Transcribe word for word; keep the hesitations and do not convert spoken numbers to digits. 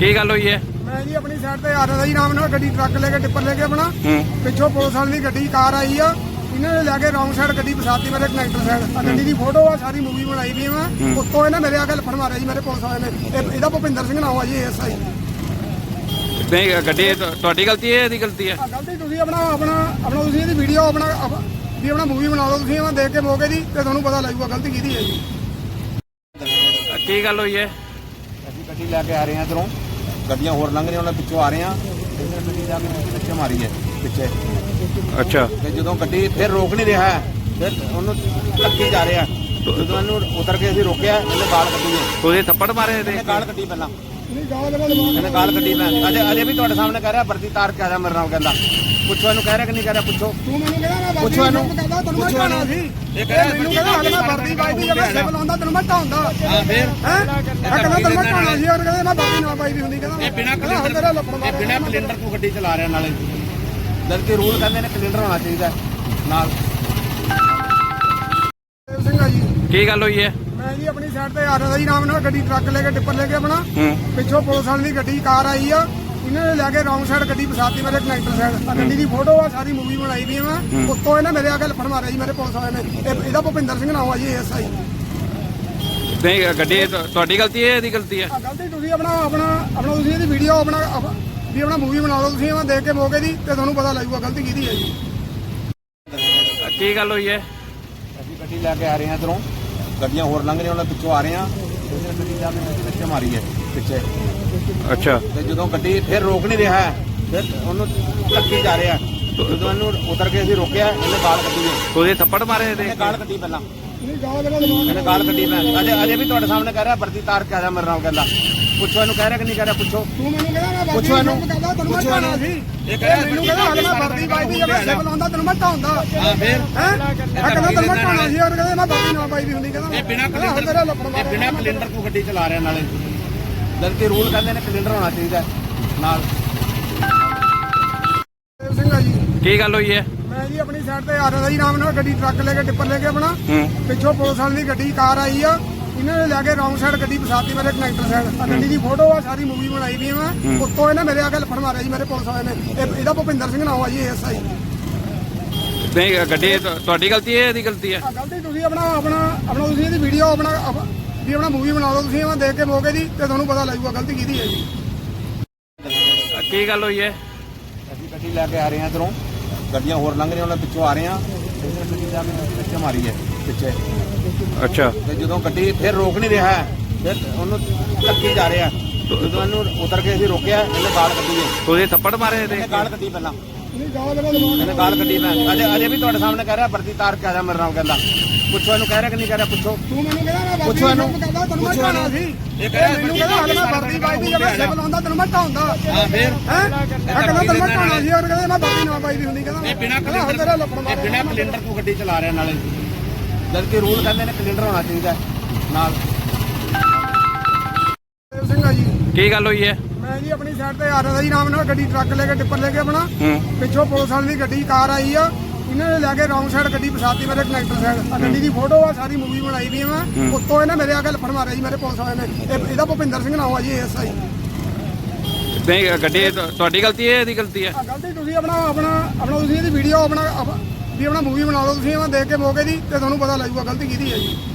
ਕੀ ਗੱਲ ਹੋਈ ਹੈ? मैं जी अपनी साइड पे आ रहा था जी नाम ना गड्डी ट्रक लेके टिप्पर लेके अपना पिछों पुलिस वाली गड्डी कार आई आ इन्होंने लैके रॉन्ग साइड गड्डी फसाती मेरे कनैक्टर साइड गड्डी की फोटो आ सारी मूवी बनाई भी मैं उत्तों इन्हें मेरे आगे लफड़ मारे जी मेरे पुलिस वाले ने ਇਹਦਾ ਭੁਪਿੰਦਰ ਸਿੰਘ ਨਾਮ ਆ ਜੀ ਐਸ ਆਈ। ਨਹੀਂ ਗੱਡੀ ਤੁਹਾਡੀ ਗਲਤੀ ਹੈ ਇਹਦੀ ਗਲਤੀ ਹੈ? ਗਲਤੀ ਤੁਸੀਂ ਆਪਣਾ ਆਪਣਾ ਆਪਣਾ ਤੁਸੀਂ ਇਹਦੀ ਵੀਡੀਓ ਆਪਣਾ ਵੀ ਆਪਣਾ ਮੂਵੀ ਬਣਾ ਲਓ ਤੁਸੀਂ ਦੇਖ ਕੇ ਮੌਕੇ ਦੀ ਤੇ ਤੁਹਾਨੂੰ ਪਤਾ ਲੱਗੂਗਾ ਗਲਤੀ ਕਿਹਦੀ ਹੈ ਜੀ। ਕੀ ਗੱਲ ਹੋਈ ਹੈ? ਅਸੀਂ ਗੱਡੀ ਲੈ ਕੇ ਆ ਰਹੇ ਹਾਂ ਇੱਧਰੋਂ ਗੱਡੀਆਂ ਹੋਰ ਲੰਘ ਰਹੀਆਂ ਉਹਨਾਂ ਪਿੱਛੋਂ ਆ ਰਹੇ ਹਾਂ ਇਹਨਾਂ ਗੱਡੀ ਜਾ ਕੇ ਪਿੱਛੇ ਮਾਰੀ ਹੈ ਪਿੱਛੇ। ਅੱਛਾ ਤੇ ਜਦੋਂ ਗੱਡੀ ਫਿਰ ਰੋਕ ਨਹੀਂ ਰਿਹਾ ਫਿਰ ਉਹਨੂੰ ਧੱਕੀ ਜਾ ਰਿਹਾ ਜਦੋਂ ਇਹਨੂੰ ਉਤਰ ਕੇ ਅਸੀਂ ਰੋਕਿਆ ਇਹਨੇ ਗਾਲ ਕੱਢੀ ਹੈ। ਉਹਦੇ ਥੱਪੜ ਮਾਰੇ ਇਹਦੇ? ਇਹਨੇ ਗਾਲ ਕੱਢੀ ਪਹਿਲਾਂ ਨਹੀਂ ਗਾਲ ਲਗਾ ਲਵਾ ਇਹਨੇ ਗਾਲ ਕੱਢੀ ਮੈਂ ਅਜੇ ਅਜੇ ਵੀ ਤੁਹਾਡੇ ਸਾਹਮਣੇ ਕਹਿ ਰਿਹਾ ਵਰਦੀ ਤਾਰ ਕੇ ਆ ਜਾ ਮੇਰੇ ਨਾਲ ਕਹਿੰਦਾ ਪੁੱਛੋ ਇਹਨੂੰ ਕਹਿ ਰਿਹਾ ਕਿ ਨਹੀਂ ਕਹਿ ਰਿਹਾ ਪੁੱਛੋ ਤੂੰ ਮੈਨੂੰ ਕਹਿੰਦਾ ਮੈਂ ਪੁੱਛੋ ਇਹਨੂੰ ਕਹਿੰਦਾ ਤੈਨੂੰ ਮੈਂ ਢਾਣਾ ਸੀ ਇਹ ਕਹਿ ਰਿਹਾ ਮੈਨੂੰ ਕਹਿੰਦਾ ਹਲੇ ਮੈਂ ਵਰਦੀ ਪਾਈ ਦੀ ਜਦੋਂ ਸਿਵਲ ਆਉਂਦਾ ਤੈਨੂੰ ਮੈਂ ਢਾਉਂਦਾ ਹਾਂ ਫਿਰ ਹੈ ਮੈਂ ਕਹਿੰਦਾ ਤੈਨੂੰ ਮੈਂ ਢਾਣਾ ਸੀ ਔਰ ਕਹਿੰਦਾ ਮੈਂ ਵਰਦੀ ਨਾ ਪਾਈ ਦੀ ਹੁੰਦੀ ਕਹਿੰਦਾ ਇਹ ਬਿਨਾਂ ਕਲਿੰਡਰ ਇਹ ਬਿਨਾਂ ਕਲਿੰਡਰ ਤੋਂ ਗੱਡੀ ਚਲਾ ਰਿਹਾ ਨਾਲੇ ਜਦਕਿ ਰੂਲ ਕਹਿੰਦੇ ਨੇ ਕਲਿੰਡਰ ਹੋਣਾ ਚਾਹੀਦਾ ਨਾਲ। ਸਿੰਘ ਆ ਜੀ ਕੀ ਗੱਲ ਹੋਈ ਹੈ? ਮੈਂ ਜੀ ਆਪਣੀ ਸਾਈਡ ਤੇ ਆ ਰਿਹਾ ਜੀ ਨਾਮ ਨਾਲ ਗੱਡੀ ਟਰੱਕ ਲੈ ਕੇ ਟਿੱਪਰ ਲੈ ਕੇ ਆਪਣਾ ਪਿੱਛੋਂ ਪੁਲਿਸ ਵਾਲੀ ਦੀ ਗੱਡੀ ਕਾਰ ਆਈ ਆ ਇਹਨਾਂ ਨੇ ਲੈ ਕੇ ਰੌਂਗ ਸਾਈਡ ਗੱਡੀ ਫਸਾਤੀ ਮੇਰੇ ਕਨੈਕਟਰ ਸਾਈਡ ਗੱਡੀ ਦੀ ਫੋਟੋ ਆ ਸਾਰੀ ਮੂਵੀ ਬਣਾਈ ਵੀ ਮੈਂ ਉੱਤੋਂ ਇਹਨੇ ਮੇਰੇ ਆਗੇ ਲਫੜ ਮਾਰਿਆ ਜੀ ਮੇਰੇ ਪੁਲਿਸ ਵਾਲੇ ਨੇ ਇਹਦਾ ਭੁਪਿੰਦਰ ਸਿੰਘ ਨਾਮ ਆ ਜੀ ਐਸ ਆਈ। ਨਹੀਂ ਗੱਡੀ ਤੁਹਾਡੀ ਗਲਤੀ ਹੈ ਇਹਦੀ ਗਲਤੀ ਹੈ? ਗਲਤੀ ਤੁਸੀਂ ਆਪਣਾ ਆਪਣਾ ਆਪਣਾ ਤੁਸੀਂ ਇਹਦੀ ਵੀਡੀਓ ਆਪਣਾ ਵੀ ਆਪਣਾ ਮੂਵੀ ਬਣਾ ਲਓ ਤੁਸੀਂ ਦੇਖ ਕੇ ਮੌਕੇ ਦੀ ਤੇ ਤੁਹਾਨੂੰ ਪਤਾ ਲੱਗੂਗਾ ਗਲਤੀ ਕਿਹਦੀ ਹੈ ਜੀ। ਕੀ ਗੱਲ ਹੋਈ ਹੈ? ਅਸੀਂ ਗੱਡੀ ਲੈ ਕੇ ਆ ਰਹੇ ਹਾਂ ਇੱਧਰੋਂ ਗੱਡੀਆਂ ਹੋਰ ਲੰਘ ਰਹੀਆਂ ਉਹਨਾਂ ਪਿੱਛੋਂ ਆ ਰਹੇ ਹਾਂ ਇਹਨਾਂ ਗੱਡੀ ਜਾ ਕੇ ਪਿੱਛੇ ਮਾਰੀ ਹੈ ਪਿੱਛੇ। ਅੱਛਾ ਤੇ ਜਦੋਂ ਗੱਡੀ ਫਿਰ ਰੋਕ ਨਹੀਂ ਰਿਹਾ ਫਿਰ ਉਹਨੂੰ ਧੱਕੀ ਜਾ ਰਿਹਾ ਜਦੋਂ ਇਹਨੂੰ ਉਤਰ ਕੇ ਅਸੀਂ ਰੋਕਿਆ ਇਹਨੇ ਗਾਲ ਕੱਢੀ ਹੈ। ਉਹਦੇ ਥੱਪੜ ਮਾਰੇ ਇਹਦੇ? ਇਹਨੇ ਗਾਲ ਕੱਢੀ ਪਹਿਲਾਂ ਨਹੀਂ ਗਾਲ ਲਗਾ ਲਵਾ ਇਹਨੇ ਗਾਲ ਕੱਢੀ ਮੈਂ ਅਜੇ ਅਜੇ ਵੀ ਤੁਹਾਡੇ ਸਾਹਮਣੇ ਕਹਿ ਰਿਹਾ ਵਰਦੀ ਤਾਰ ਕੇ ਆ ਜਾ ਮੇਰੇ ਨਾਲ ਕਹਿੰਦਾ ਪੁੱਛੋ ਇਹਨੂੰ ਕਹਿ ਰਿਹਾ ਕਿ ਨਹੀਂ ਕਹਿ ਰਿਹਾ ਪੁੱਛੋ ਤੂੰ ਮੈਨੂੰ ਕਹਿੰਦਾ ਮੈਂ ਪੁੱਛੋ ਇਹਨੂੰ ਕਹਿੰਦਾ ਤੈਨੂੰ ਮੈਂ ਢਾਣਾ ਸੀ ਇਹ ਕਹਿ ਰਿਹਾ ਮੈਨੂੰ ਕਹਿੰਦਾ ਹਲੇ ਮੈਂ ਵਰਦੀ ਪਾਈ ਦੀ ਜਦੋਂ ਸਿਵਲ ਆਉਂਦਾ ਤੈਨੂੰ ਮੈਂ ਢਾਉਂਦਾ ਹਾਂ ਫਿਰ ਹੈ ਮੈਂ ਕਹਿੰਦਾ ਤੈਨੂੰ ਮੈਂ ਢਾਣਾ ਸੀ ਔਰ ਕਹਿੰਦਾ ਮੈਂ ਵਰਦੀ ਨਾ ਪਾਈ ਦੀ ਹੁੰਦੀ ਕਹਿੰਦਾ ਇਹ ਬਿਨਾਂ ਕਹਿੰਦਾ ਹੁਣ ਤੇਰਾ ਲੱਪੜ ਇਹ ਬਿਨਾਂ ਕਲਿੰਡਰ ਤੋਂ ਗੱਡੀ ਚਲਾ ਰਿਹਾ ਨਾਲੇ ਜਦਕਿ ਰੂਲ ਕਹਿੰਦੇ ਨੇ ਕਲਿੰਡਰ ਹੋਣਾ ਚਾਹੀਦਾ ਨਾਲ। ਸਿੰਘ ਆ ਜੀ ਕੀ ਗੱਲ ਹੋਈ ਹੈ? ਮੈਂ ਜੀ ਆਪਣੀ ਸਾਈਡ ਤੇ ਆ ਰਿਹਾ ਜੀ ਨਾਮ ਨਾਲ ਗੱਡੀ ਟਰੱਕ ਲੈ ਕੇ ਟਿੱਪਰ ਲੈ ਕੇ ਆਪਣਾ ਪਿੱਛੋਂ ਪੁਲਿਸ ਵਾਲੀ ਦੀ ਗੱਡੀ ਕਾਰ ਆਈ ਆ ਇਹਨਾਂ ਨੇ ਲੈ ਕੇ ਰੌਂਗ ਸਾਈਡ ਗੱਡੀ ਫਸਾਤੀ ਮੇਰੇ ਕਨੈਕਟਰ ਸਾਈਡ ਗੱਡੀ ਦੀ ਫੋਟੋ ਆ ਸਾਰੀ ਮੂਵੀ ਬਣਾਈ ਵੀ ਮੈਂ ਉੱਤੋਂ ਇਹਨੇ ਮੇਰੇ ਆਗੇ ਲਫੜ ਮਾਰਿਆ ਜੀ ਮੇਰੇ ਪੁਲਿਸ ਵਾਲੇ ਨੇ ਇਹਦਾ ਭੁਪਿੰਦਰ ਸਿੰਘ ਨਾਮ ਆ ਜੀ ਐਸ ਆਈ। ਨਹੀਂ ਗੱਡੀ ਤੁਹਾਡੀ ਗਲਤੀ ਹੈ ਇਹਦੀ ਗਲਤੀ ਹੈ? ਗਲਤੀ ਤੁਸੀਂ ਆਪਣਾ ਆਪਣਾ ਆਪਣਾ ਤੁਸੀਂ ਇਹਦੀ ਵੀਡੀਓ ਆਪਣਾ ਵੀ ਆਪਣਾ ਮੂਵੀ ਬਣਾ ਲਓ ਤੁਸੀਂ ਦੇਖ ਕੇ ਮੌਕੇ ਦੀ ਤੇ ਤੁਹਾਨੂੰ ਪਤਾ ਲੱਗੂਗਾ ਗਲਤੀ ਕਿਹਦੀ ਹੈ ਜੀ। ਕੀ ਗੱਲ ਹੋਈ ਹੈ? ਅਸੀਂ ਗੱਡੀ ਲੈ ਕੇ ਆ ਰਹੇ ਹਾਂ ਇੱਧਰੋਂ ਗੱਡੀਆਂ ਹੋਰ ਲੰਘ ਰਹੀਆਂ ਉਹਨਾਂ ਪਿੱਛੋਂ ਆ ਰਹੇ ਹਾਂ ਇਹਨਾਂ ਗੱਡੀ ਜਾ ਕੇ ਪਿੱਛੇ ਮਾਰੀ ਹੈ ਪਿੱਛੇ। ਅੱਛਾ ਤੇ ਜਦੋਂ ਗੱਡੀ ਫਿਰ ਰੋਕ ਨਹੀਂ ਰਿਹਾ ਫਿਰ ਉਹਨੂੰ ਧੱਕੀ ਜਾ ਰਿਹਾ ਜਦੋਂ ਇਹਨੂੰ ਉਤਰ ਕੇ ਅਸੀਂ ਰੋਕਿਆ ਇਹਨੇ ਗਾਲ ਕੱਢੀ ਹੈ। ਉਹਦੇ ਥੱਪੜ ਮਾਰੇ ਇਹਦੇ? ਇਹਨੇ ਗਾਲ ਕੱਢੀ ਪਹਿਲਾਂ ਨਹੀਂ ਗਾਲ ਲਗਾ ਲਵਾ ਇਹਨੇ ਗਾਲ ਕੱਢੀ ਮੈਂ ਅਜੇ ਅਜੇ ਵੀ ਤੁਹਾਡੇ ਸਾਹਮਣੇ ਕਹਿ ਰਿਹਾ ਵਰਦੀ ਤਾਰ ਕੇ ਆ ਜਾ ਮੇਰੇ ਨਾਲ ਕਹਿੰਦਾ ਪੁੱਛੋ ਇਹਨੂੰ ਕਹਿ ਰਿਹਾ ਕਿ ਨਹੀਂ ਕਹਿ ਰਿਹਾ ਪੁੱਛੋ ਤੂੰ ਮੈਨੂੰ ਕਹਿੰਦਾ ਮੈਂ ਪੁੱਛੋ ਇਹਨੂੰ ਕਹਿੰਦਾ ਤੈਨੂੰ ਮੈਂ ਢਾਣਾ ਸੀ ਇਹ ਕਹਿ ਰਿਹਾ ਮੈਨੂੰ ਕਹਿੰਦਾ ਹਲੇ ਮੈਂ ਵਰਦੀ ਪਾਈ ਦੀ ਜਦੋਂ ਸਿਵਲ ਆਉਂਦਾ ਤੈਨੂੰ ਮੈਂ ਢਾਉਂਦਾ ਹਾਂ ਫਿਰ ਹੈ ਮੈਂ ਕਹਿੰਦਾ ਤੈਨੂੰ ਮੈਂ ਢਾਣਾ ਸੀ ਔਰ ਕਹਿੰਦਾ ਮੈਂ ਵਰਦੀ ਨਾ ਪਾਈ ਦੀ ਹੁੰਦੀ ਕਹਿੰਦਾ ਇਹ ਬਿਨਾਂ ਕਹਿੰਦਾ ਹੁਣ ਤੇਰਾ ਲੱਪੜ ਇਹ ਮਾਰਿਆ ਬਿਨਾਂ ਕਲਿੰਡਰ ਤੋਂ ਗੱਡੀ ਚਲਾ ਰਿਹਾ ਨਾਲੇ ਜਦਕਿ ਰੂਲ ਕਹਿੰਦੇ ਨੇ ਕਲਿੰਡਰ ਹੋਣਾ ਚਾਹੀਦਾ ਨਾਲ। ਸਿੰਘ ਆ ਜੀ ਕੀ ਗੱਲ ਹੋਈ ਹੈ? ਮੈਂ ਜੀ ਆਪਣੀ ਸਾਈਡ ਤੇ ਆ ਰਿਹਾ ਜੀ ਨਾਮ ਨਾਲ ਗੱਡੀ ਟਰੱਕ ਲੈ ਕੇ ਟਿੱਪਰ ਲੈ ਕੇ ਆਪਣਾ ਪਿੱਛੋਂ ਪੁਲਿਸ ਵਾਲੀ ਦੀ ਗੱਡੀ ਕਾਰ ਆਈ ਆ ਇਹਨਾਂ ਨੇ ਲੈ ਕੇ ਰੌਂਗ ਸਾਈਡ ਗੱਡੀ ਫਸਾਤੀ ਮੇਰੇ ਕਨੈਕਟਰ ਸਾਈਡ ਗੱਡੀ ਦੀ ਫੋਟੋ ਆ ਸਾਰੀ ਮੂਵੀ ਬਣਾਈ ਵੀ ਮੈਂ ਉੱਤੋਂ ਇਹਨੇ ਮੇਰੇ ਆਗੇ ਲਫੜ ਮਾਰਿਆ ਜੀ ਮੇਰੇ ਪੁਲਿਸ ਵਾਲੇ ਨੇ ਇਹਦਾ ਭੁਪਿੰਦਰ ਸਿੰਘ ਨਾਮ ਆ ਜੀ ਐਸ ਆਈ। ਨਹੀਂ ਗੱਡੀ ਤੁਹਾਡੀ ਗਲਤੀ ਹੈ ਇਹਦੀ ਗਲਤੀ ਹੈ? ਗਲਤੀ ਤੁਸੀਂ ਆਪਣਾ ਆਪਣਾ ਆਪਣਾ ਤੁਸੀਂ ਇਹਦੀ ਵੀਡੀਓ ਆਪਣਾ ਵੀ ਆਪਣਾ ਮੂਵੀ ਬਣਾ ਲਓ ਤੁਸੀਂ ਦੇਖ ਕੇ ਮੌਕੇ ਦੀ ਤੇ ਤੁਹਾਨੂੰ ਪਤਾ ਲੱਗੂਗਾ ਗਲਤੀ ਕਿਹਦੀ ਹੈ ਜੀ।